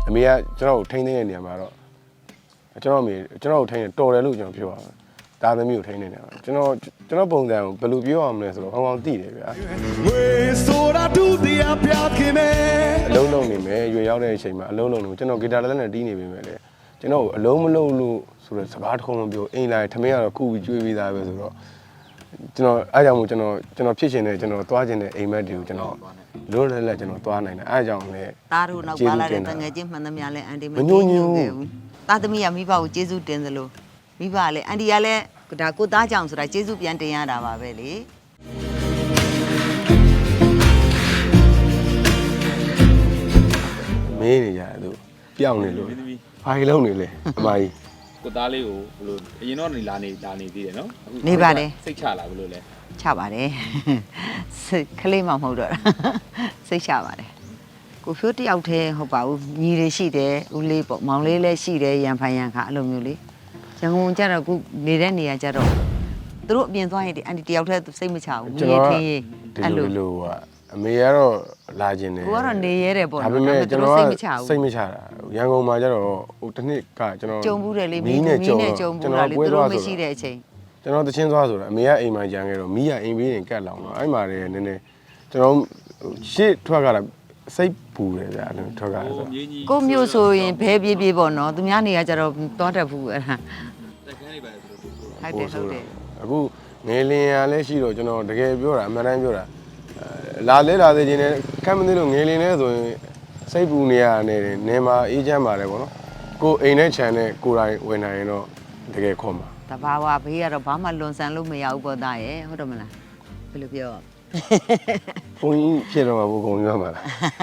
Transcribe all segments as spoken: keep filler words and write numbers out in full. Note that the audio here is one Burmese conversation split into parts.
အမေကကျွန်တော်ကိုထိန်းသိမ်းတဲ့နေရာမှာတော့ကျွန်တော်အမေကျွန်တော်ကိုထိန်းတယ်တော်တယ်လို့ကျွန်တော်ပြောတာဒါသမီးကိုထိန်းနေတယ်ကျွန်တော်ကျွန်တော်ပုံစံကိုဘယ်လိုပြောရမလဲဆိုတော့ကောင်းကောင်းသိတယ်ဗျာဝေဆိုတာဒုတိယပြခင်မဲအလုံးလုံးနေမယ်ရွေရောက်တဲ့အချိန်မှာအလုံးလုံးနေကျွန်တော်ဂီတာလက်နဲ့တီးနေပြီပဲလေကျွန်တော်အလုံးမလုံးလို့ဆိုတော့စကားတစ်ခုမပြောအိမ်လာထမင်းကတော့ခုပြီးကျွေးပြီးသားပဲဆိုတော့ကျွန်တော်အားကြောင့်မို့ကျွန်တော်ကျွန်တော်ဖြစ်ရှင်တဲ့ကျွန်တော်သွားခြင်းတဲ့အိမ်မက်တွေကိုကျွန်တော်လွတ်လပ်လပ်ကျွန်တော်သွားနိုင်တယ်အားကြောင့်လည်းတားတို့နောက်ပါလာတဲ့တငယ်ချင်းမှန်သမျှလဲအန်တီမညညူခဲ့ဘူးတာသမီးကမိဘကိုကျေးဇူးတင်သလိုမိဘလည်းအန်တီကလည်းဒါကိုသားကြောင့်ဆိုတာကျေးဇူးပြန်တင်ရတာပါပဲလေမင်းနေရတယ်သူပြောင်းနေလို့ဘာကြီးလုံးနေလဲအမကြီးကိုသားလေးကိုဘလို့အရင်တော့နေလာနေလာနေသေးတယ်နော်နေပါတယ်စိတ်ချလာဘလို့လဲချပါတယ်စိတ်ကလေးမှမဟုတ်တော့စိတ်ချပါတယ်ကိုဖြိုးတယောက်တည်းဟုတ်ပါဘူးညီတွေရှိတယ်ဦးလေးပေါ့မောင်လေးလည်းရှိတယ်ရန်ဖိုင်ရန်ခါအဲ့လိုမျိုးလေရန်ကုန်ကျတော့ခုနေတဲ့နေရာကျတော့သူတို့အပြင်သွားရင်ဒီအန်တီတယောက်တည်းစိတ်မချဘူးညီထင်းရေးအဲ့လိုလိုကအမေကတော့လာခြင်းတယ်ကိုကတော့နေရဲတယ်ပေါ့ဒါပေမဲ့ကျွန်တော်စိတ်မချဘူးစိတ်မချတာရန်ကုန်မှာကျတော့ဟိုတစ်နှစ်ကကျွန်တော်ကြုံဘူးတယ်လေမင်းနဲ့ကြုံဘူးလားလေသူတို့မရှိတဲ့အချိန်ကျွန်တော်တချင်းသွားဆိုတာအမေကအိမ်မှာကြံခဲ့တော့မိကအိမ်ဘေးရင်ကတ်လောင်တော့အဲ့မှာလည်းနည်းနည်းကျွန်တော်ရှေ့ထွက်ကြတာစိတ်ပူတယ်ဗျာအဲ့ထွက်ကြတာဆိုကိုမျိုးဆိုရင်ဘဲပြေးပြေးပေါ့နော်သူများနေရာကျတော့သွားတတ်ဘူးအဲ့ဒါတက်ခန်းလေးပါဆိုတော့ဟုတ်တယ်ဟုတ်တယ်အခုငယ်လင်ရလည်းရှိတော့ကျွန်တော်တကယ်ပြောတာအမှန်တမ်းပြောတာလာလဲလာသေးခြင်းနဲ့ကမ်းမသေးလို့ငယ်လင်လဲဆိုရင်စိတ်ပူနေရနေတယ်နေမှာအေးချမ်းပါတယ်ပေါ့နော်ကိုအိမ်နဲ့ခြံနဲ့ကိုယ်တိုင်ဝင်နိုင်ရင်တော့တကယ်ခေါ်မှာတဘာဝဘေးကတော့ဘာမှလွန်ဆန်လို့မရဘူးပေါ့သားရဲ့ဟုတ်တယ်မလားဘယ်လိုပြောဘုန်းကြီးဖြစ်တော့မှာဘုကုံရမှာလား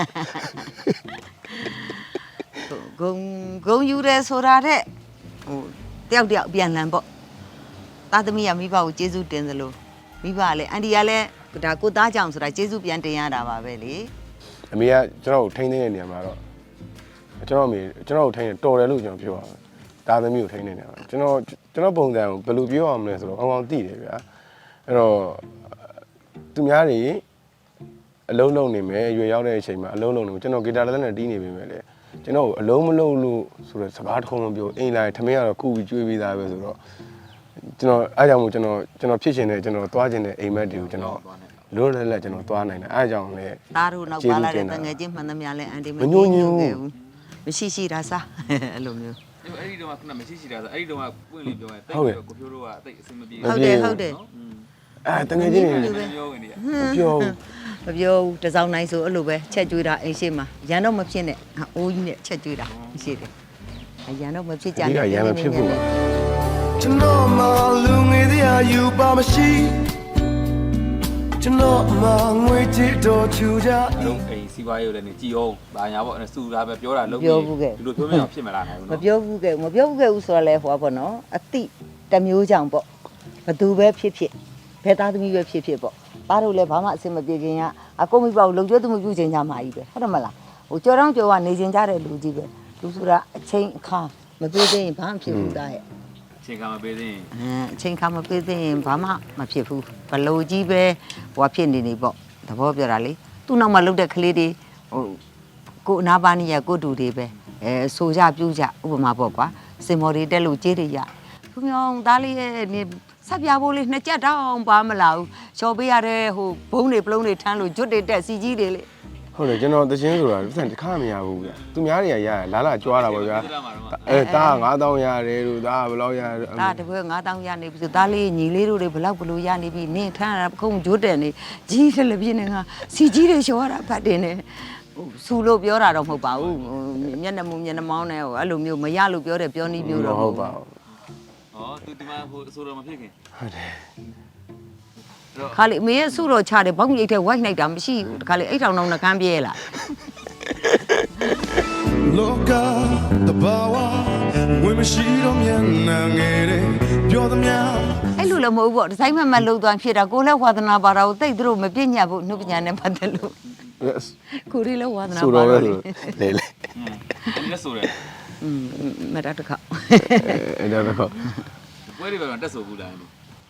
ဂုံဂုံယူရဲဆိုတာတဲ့ဟိုတယောက်တယောက်ပြန်လန်ပေါ့သားသမီးကမိဘကိုကျေးဇူးတင်သလိုမိဘကလည်းအန်တီကလည်းဒါကိုသားကြောင့်ဆိုတာကျေးဇူးပြန်တင်ရတာပါပဲလေအမေကကျွန်တော်ကိုထိန်းသိမ်းတဲ့နေရာမှာတော့ကျွန်တော်အမေကျွန်တော်ကိုထိန်းတယ်တော်တယ်လို့ကျွန်တော်ပြောတာဒါသမီးကိုထိန်းနေတယ်ကျွန်တော်ကျွန်တော်ပုံစံကိုဘယ်လိုပြောရမလဲဆိုတော့ကောင်းကောင်းသိတယ်ဗျာအဲ့တော့သူများတွေအလုံးလုံးနေမယ်ရွေရောက်တဲ့အချိန်မှာအလုံးလုံးနေကျွန်တော်ဂီတာလက်နဲ့တီးနေပြီပဲလေကျွန်တော်အလုံးမလုံးလို့ဆိုတော့စကားတစ်ခုမပြောအိမ်လာထမင်းကတော့ခုပြီးကျွေးပြီးသားပဲဆိုတော့ကျွန်တော်အားကြောင့်မို့ကျွန်တော်ကျွန်တော်ဖြစ်ရှင်တဲ့ကျွန်တော်သွားခြင်းတဲ့အိမ်မက်တွေကိုကျွန်တော်လွတ်လပ်လပ်ကျွန်တော်သွားနိုင်တယ်အားကြောင့်လည်းတားတို့နောက်ပါလာတဲ့တငယ်ချင်းမှန်သမျှလဲအန်တီမညညူခဲ့ဘူးမရှိရှိတာစားအဲ့လိုမျိုးအဲ့ဒီတော့ကမရှိရှိတာဆိုအဲ့ဒီတော့ကပွင့်လေးပြောရင်တိတ်ကိုဖြိုးတို့ကတိတ်အဆင်မပြေဟုတ်တယ်ဟုတ်တယ်အဲတငယ်ချင်းတွေပြောနေတယ်မပြောမပြောဘူးတစောင်းနိုင်ဆိုအဲ့လိုပဲချက်ကျွေးတာအိမ်ရှိမှာရန်တော့မဖြစ်နဲ့အိုးကြီးနဲ့ချက်ကျွေးတာရှိတယ်ရန်တော့မဖြစ်ကြနဲ့ရန်မဖြစ်ဘူးကျွန်တော်မှလူငယ်တရားယူပါမရှိကျွန်တော်မှငွေချစ်တော်ချူကြလုံးအိမ်စီးပွားရေးလည်းနေကြည်အောင်ဘာညာပေါ့စူတာပဲပြောတာလုံးဒီလိုပြောမအောင်ဖြစ်မလာနိုင်ဘူးနော်မပြောဘူးကဲမပြောဘူးကဲဦးဆိုတော့လဲဟောပေါ့နော်အတိတမျိုးကြောင့်ပေါ့ဘသူပဲဖြစ်ဖြစ်ဘယ်သားသမီးပဲဖြစ်ဖြစ်ပေါ့ပါတို့လည်းဘာမှအဆင်မပြေခင်ကအကုန်မိပေါ့လုံကျွတ်သူမပြုချင်ကြမှာကြီးပဲဟုတ်တယ်မလားဟိုကြော်တောင်းကြော်ကနေချင်ကြတဲ့လူကြီးပဲလူဆိုတာအချိန်အခါမပြေသေးရင်ဘာမှဖြစ်ဘူးသားရဲ့အချိန်ခါမပေးသေးရင်အဲအချိန်ခါမပေးသေးရင်ဘာမှမဖြစ်ဘူးဘလို့ကြီးပဲဟိုဖြစ်နေနေပေါ့သဘောပြောတာလေသူ့နောက်မှာလှုပ်တဲ့ကလေးတွေဟိုကိုအနာပါနီရကိုတူတွေပဲအဲဆိုကြပြူးကြဥပမာပေါ့ကွာစင်မော်တွေတက်လို့ကြေးတွေရသူမြောင်သားလေးရဲ့နေဆက်ပြဖို့လေးနှစ်ကြက်တောင်းပါမလာဘူးချော်ပေးရတဲ့ဟိုဘုံတွေပလုံးတွေထမ်းလို့ဂျွတ်တွေတက်စီကြီးတွေလေဟုတ်တယ်ကျွန်တော်တချင်းဆိုတာတစ်ခါမရဘူးဗျသူများတွေကရရလာလာကြွားတာပေါ့ဗျာအဲတားငါးသောင်းရတယ်လို့ဒါဘယ်လောက်ရတယ်ဒါတပွဲငါးသောင်းရနေပြီဆိုသားလေးညီလေးတို့တွေဘယ်လောက်ဘလို့ရနေပြီနင်းထမ်းရတာခုံဂျွတ်တယ်နေကြီးတယ်လေပြင်းနေငါစီကြီးတွေချော်ရတာဖတ်တယ်နေဟိုဆူလို့ပြောတာတော့မဟုတ်ပါဘူးမျက်နှာမူမျက်နှာမောင်းနဲ့ဟိုအဲ့လိုမျိုးမရလို့ပြောတယ်ပြောနည်းမျိုးတော့မဟုတ်ပါဘူးဩသူဒီမှာဟိုအဆိုတော်မဖြစ်ခင်ဟုတ်တယ်ခါလေမင်းရဲ့ဆုတော်ချတယ်ဘောင်းကြီးအိတ်ထဲဝိုက်လိုက်တာမရှိဘူးခါလေအိတ်ထောင်တော့နှကန်းပြဲလာလောကတဘာဝဝင်းမရှိတော့မြန်နာငယ်တယ်ပြောသမျှအဲ့လိုလည်းမဟုတ်ဘူးပေါ့ဒီဇိုင်းမမလှုပ်သွားဖြစ်တာကိုလည်းဝါသနာပါတာကိုတိတ်သူတို့မပြည့်ညတ်ဘူးနှုတ်ပညာနဲ့ပတ်သက်လို့ကိုရီလည်းဝါသနာပါတော့လေလေလေဒီလက်ဆိုတယ်อืมမရတခါအဲ့ဒါတော့ဝဲဒီဘက်မှာတက်ဆိုဘူးလား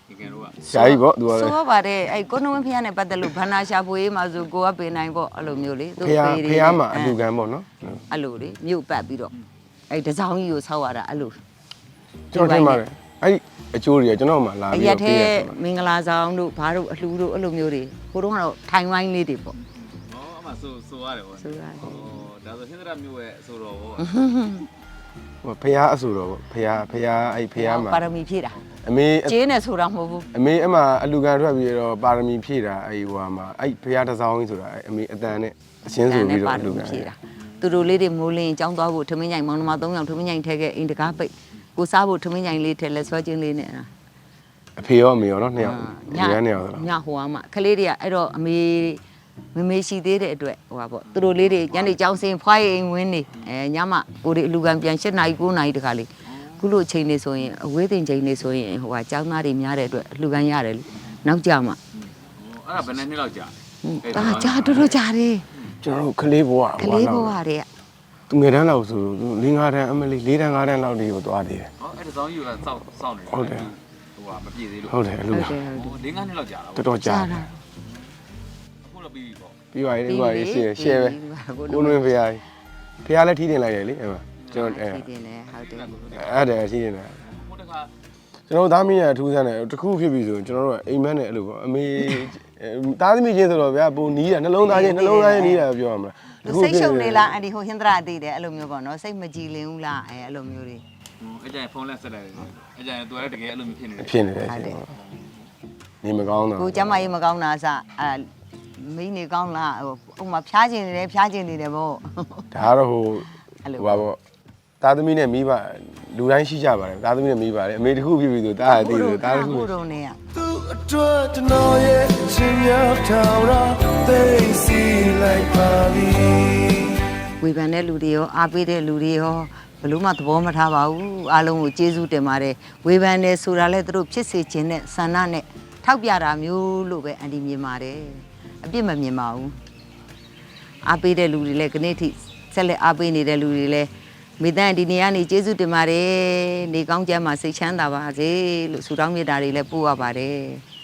ငယ်ငယ်တော့ကဆရာကြီးပေါ့သူကလည်းဆိုတော့ပါတယ်အဲ့ကိုနှဝင်းဖျားနဲ့ပတ်သက်လို့ဘန္နာရှာဖွေးမှာဆိုကိုကပေးနိုင်ပေါ့အဲ့လိုမျိုးလေသူဖះဖះမှာအလူကံပေါ့နော်အဲ့လိုလေမြို့ပတ်ပြီးတော့အဲ့တစောင်းကြီးကိုဆောက်ရတာအဲ့လိုကျွန်တော်ထင်ပါတယ်အဲ့အကျိုးတွေကကျွန်တော်မှလာအပြီးရက်တော့ထဲပေးရတယ်မင်္ဂလာဆောင်တို့ဘာတို့အလှူတို့အဲ့လိုမျိုးတွေကိုတော့ကတော့ထိုင်ဝိုင်းလေးတွေပေါ့ဟောအမှဆိုဆိုရတယ်ဗောဆိုရတယ်ဟောဒါဆိုဟင်္ဒရာမျိုးရဲ့ဆိုတော့ဗောဟိုဖះအဆူတော့ပေါ့ဖះဖះအဲ့ဖះမှာပါရမီဖြည့်တာအမေကျင်းနေဆိုတာမဟုတ်ဘူးအမေအမအလူကံထွက်ပြီးတော့ပါရမီဖြည့်တာအဲ့ဟိုမှာအဲ့ဖះတစ်စောင်းကြီးဆိုတာအဲ့အမေအတန်နဲ့အချင်းဆိုပြီးတော့အလူကံဖြည့်တာသူတို့လေးတွေမိုးလင်းចောင်းသွားဖို့ထမင်းညိုင်မောင်နှမ၃ယောက်ထမင်းညိုင်ထဲခဲ့အိမ်တကားပိတ်ကိုစားဖို့ထမင်းညိုင်လေးထဲလက်ဆွဲချင်းလေးနဲ့အဖေရောအမေရောနော်နှစ်ယောက်ဒီကနှစ်ယောက်ဆိုတော့ညဟိုအမခလေးတွေကအဲ့တော့အမေမမေရှိသေးတဲ့အတွက်ဟိုပါပေါ့သူတို့လေးတွေညနေကြောင်းစင်ဖွားရိမ်ဝင်းနေအဲညမကိုတွေအလူကံပြန်၈နာရီ၉နာရီတခါလေးခုလိုချိန်နေဆိုရင်အဝေးတင်ချိန်နေဆိုရင်ဟိုကကျောင်းသားတွေများတဲ့အတွက်အလူကံရတယ်လေနောက်ကြမှာအဲ့ဒါဘယ်နှစ်နှစ်လောက်ကြာဒါကြာတို့တို့ကြာတယ်ကျွန်တော်တို့ကလေးဘွားကလေးဘဝတွေကသူငယ်တန်းလောက်ဆို၄၅တန်းအမလေး၄တန်း၅တန်းလောက်ဒီကိုသွားသေးတယ်ဟောအဲ့ဒါဆောင်ယူကစောက်စောက်နေတယ်ဟုတ်တယ်ဟိုကမပြည့်သေးလို့ဟုတ်တယ်အလူဟုတ်ကတယ်ဟုတ်တယ်ဟို၄-၅နှစ်လောက်ကြာတာတော်ဗောတော်ကြာတယ်အခုတော့ပြီးပြီပေါ့ပြီးပါရင်ပြီးပါရင်ရှယ်ရှယ်ပဲကိုနွေဖះကြီးဖះလည်းထီးတင်လိုက်တယ်လေအဲ့မှာကျွန်တော်အဲဒီတင်လေဟုတ်တယ်အဲ့ဒါထီးတင်တယ်ဟိုတခါကျွန်တော်သားမီးရအထူးဆန်းတယ်တခုဖြစ်ပြီဆိုရင်ကျွန်တော်တို့ကအိမ်မက်နဲ့အဲ့လိုပေါ့အမေသားသမီးချင်းဆိုတော့ဗျာပုံနီးတာနှလုံးသားချင်းနှလုံးသားချင်းနီးတာပြောရမလားလူစိတ်ရှုပ်နေလားအဲ့ဒီဟိုဟင်္ဒရာသိတယ်အဲ့လိုမျိုးပေါ့နော်စိတ်မကြည်လင်ဘူးလားအဲအဲ့လိုမျိုးတွေအဲ့ကျရင်ဖုန်းလက်ဆက်လိုက်တယ်အဲ့ကျရင်သူလည်းတကယ်အဲ့လိုမျိုးဖြစ်နေတယ်ဖြစ်နေတယ်နေမကောင်းတော့ကိုကျမကြီးမကောင်းတာအစအဲမင်းနေကောင်းလားဟိုဥမာဖျားကျင်နေတယ်ဖျားကျင်နေတယ်ပေါ့ဒါကတော့ဟိုဟိုပါပေါ့သားသမီးနဲ့မိဘလူတိုင်းရှိကြပါတယ်သားသမီးနဲ့မိပါတယ်အမေတခုဖြစ်ပြီဆိုတားရသေးတယ်သားတခုကိုတော့နေရသူအတွက်ကျွန်တော်ရဲ့ရှင်များထောင်ရာသိစီလိုက်ပါပြီဝေဖန်တဲ့လူတွေရောအားပေးတဲ့လူတွေရောဘလို့မှသဘောမထားပါဘူးအားလုံးကိုကျေးဇူးတင်ပါတယ်ဝေဖန်တယ်ဆိုတာလဲသူတို့ဖြစ်စေခြင်းနဲ့ဆန္ဒနဲ့ထောက်ပြတာမျိုးလို့ပဲအန်တီမြင်ပါတယ်အပြစ်မမြင်ပါဘူးအားပေးတဲ့လူတွေလည်းခနေ့ထိဆက်လက်အားပေးနေတဲ့လူတွေလည်းမိသားဒီနေ့ကနေကျေးဇူးတင်ပါတယ်နေကောင်းကျမ်းမှာစိတ်ချမ်းသာပါစေလို့ဆုတောင်းမေတ္တာတွေလည်းပို့ရပါတယ်